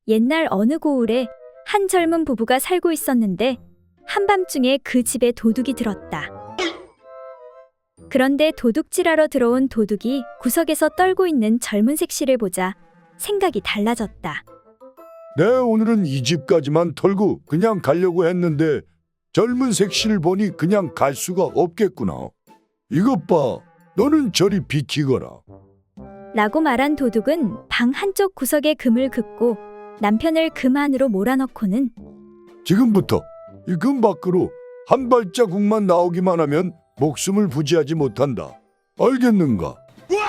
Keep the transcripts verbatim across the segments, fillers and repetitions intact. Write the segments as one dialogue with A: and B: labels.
A: 옛날 어느 고을에 한 젊은 부부가 살고 있었는데 한밤중에 그 집에 도둑이 들었다. 그런데 도둑질하러 들어온 도둑이 구석에서 떨고 있는 젊은 색시를 보자 생각이 달라졌다.
B: 내 오늘은 이 집까지만 털고 그냥 가려고 했는데 젊은 색시를 보니 그냥 갈 수가 없겠구나. 이것 봐, 너는 저리 비키거라.
A: 라고 말한 도둑은 방 한쪽 구석에 금을 긋고 남편을 금 안으로 몰아넣고는
B: 지금부터 이 금 밖으로 한 발자국만 나오기만 하면 목숨을 부지하지 못한다. 알겠는가?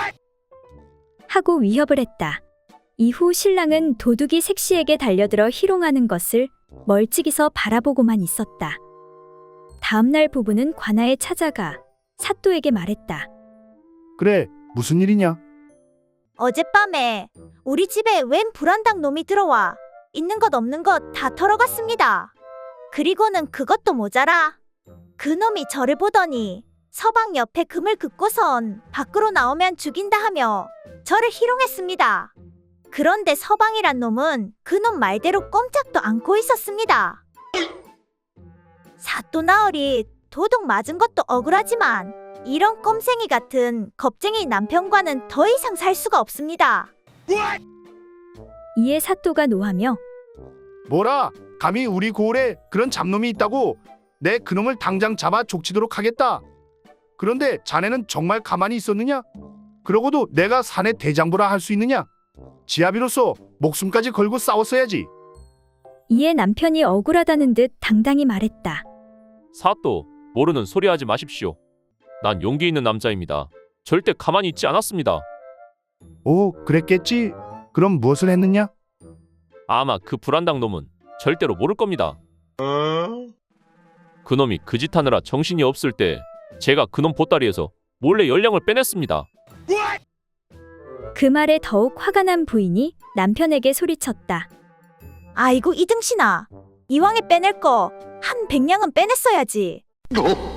A: 하고 위협을 했다. 이후 신랑은 도둑이 색시에게 달려들어 희롱하는 것을 멀찍이서 바라보고만 있었다. 다음날 부부는 관아에 찾아가 사또에게 말했다.
C: 그래, 무슨 일이냐?
D: 어젯밤에 우리 집에 웬 불안당 놈이 들어와 있는 것 없는 것 다 털어갔습니다. 그리고는 그것도 모자라. 그 놈이 저를 보더니 서방 옆에 금을 긋고선 밖으로 나오면 죽인다 하며 저를 희롱했습니다. 그런데 서방이란 놈은 그놈 말대로 꼼짝도 않고 있었습니다. 사또 나으리 도둑 맞은 것도 억울하지만 이런 꼼생이 같은 겁쟁이 남편과는 더 이상 살 수가 없습니다.
A: 이에 사또가 노하며
C: 뭐라? 감히 우리 고을에 그런 잡놈이 있다고? 내 그놈을 당장 잡아 족치도록 하겠다. 그런데 자네는 정말 가만히 있었느냐? 그러고도 내가 사내 대장부라 할 수 있느냐? 지아비로서 목숨까지 걸고 싸웠어야지.
A: 이에 남편이 억울하다는 듯 당당히 말했다.
E: 사또, 모르는 소리 하지 마십시오. 난 용기 있는 남자입니다. 절대 가만히 있지 않았습니다.
C: 오, 그랬겠지? 그럼 무엇을 했느냐?
E: 아마 그 불안당 놈은 절대로 모를 겁니다. 그놈이 그 짓 하느라 정신이 없을 때 제가 그놈 보따리에서 몰래 열량을 빼냈습니다.
A: 그 말에 더욱 화가 난 부인이 남편에게 소리쳤다.
D: 아이고 이등신아, 이왕에 빼낼 거 한 백냥은 빼냈어야지.